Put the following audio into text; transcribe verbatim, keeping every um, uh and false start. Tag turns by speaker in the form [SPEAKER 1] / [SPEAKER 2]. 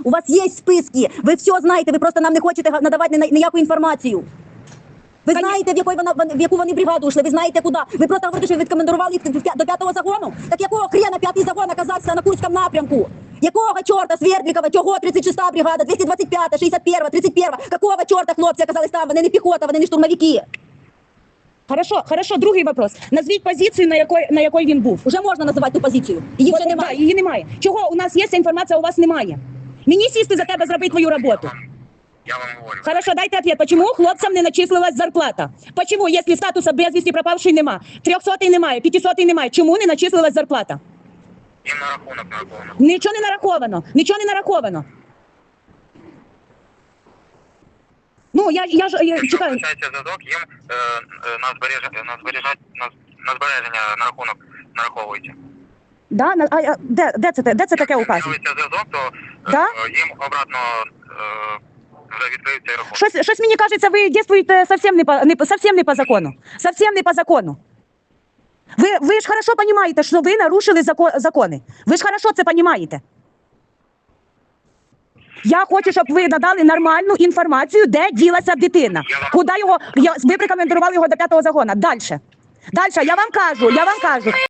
[SPEAKER 1] У вас є списки, ви все знаєте, ви просто нам не хочете надавати ніяку інформацію. Ви знаєте, в, якої вона, в яку вони бригаду йшли, ви знаєте куди. Ви просто говорите, що ви відкомендували їх до п'ятого загону? Так якого хрена п'ятий загон оказався на Курському напрямку? Якого чорта Свердлікова, чого тридцять шоста бригада, двісті двадцять п'ята, шістдесят перша, тридцять перша? Какого чорта хлопці оказались там? Вони не піхота, вони не штурмовики.
[SPEAKER 2] Хорошо, хорошо, другий вопрос. Назвіть позицію, на якій, на якій він був.
[SPEAKER 1] Уже можна називати ту позицію. Її вже немає.
[SPEAKER 2] Да, її немає. Чого у нас є ця інформація, а у вас немає? Мені сісти за тебе зробити твою роботу.
[SPEAKER 3] Я вам говорю.
[SPEAKER 2] Хорошо, дайте ответ. Почему хлопцам не начислилась зарплата? Почему, если статуса безвісті пропавший нема, трьохсотий немає, п'ятисотий немає, чому не начислилась зарплата?
[SPEAKER 3] Їм на рахунок нараховано.
[SPEAKER 2] Нічого не нараховано, нічого не нараховано. Ну, я, я ж я,
[SPEAKER 3] Якщо
[SPEAKER 2] чекаю.
[SPEAKER 3] включається зв'язок, їм е, е, на, збереження, на, збережать, на, на збереження на рахунок нараховується.
[SPEAKER 2] Да? На- А, а, де, де, це, де це таке указано?
[SPEAKER 3] Якщо зв'язок, то е,
[SPEAKER 2] Да?
[SPEAKER 3] е, їм обратно е, вже відкриють цей рахунок.
[SPEAKER 2] Щось, щось мені кажеться, ви дійствуєте совсем не по, не, по- совсем не по закону. Совсем не по закону. Ви, ви ж хорошо розумієте, що ви нарушили закон, закони. Ви ж хорошо це розумієте. Я хочу, щоб ви надали нормальну інформацію, де ділася дитина. Куди його, я, ви прикомендували його до п'ятого загону. Дальше. Дальше, я вам кажу, я вам кажу.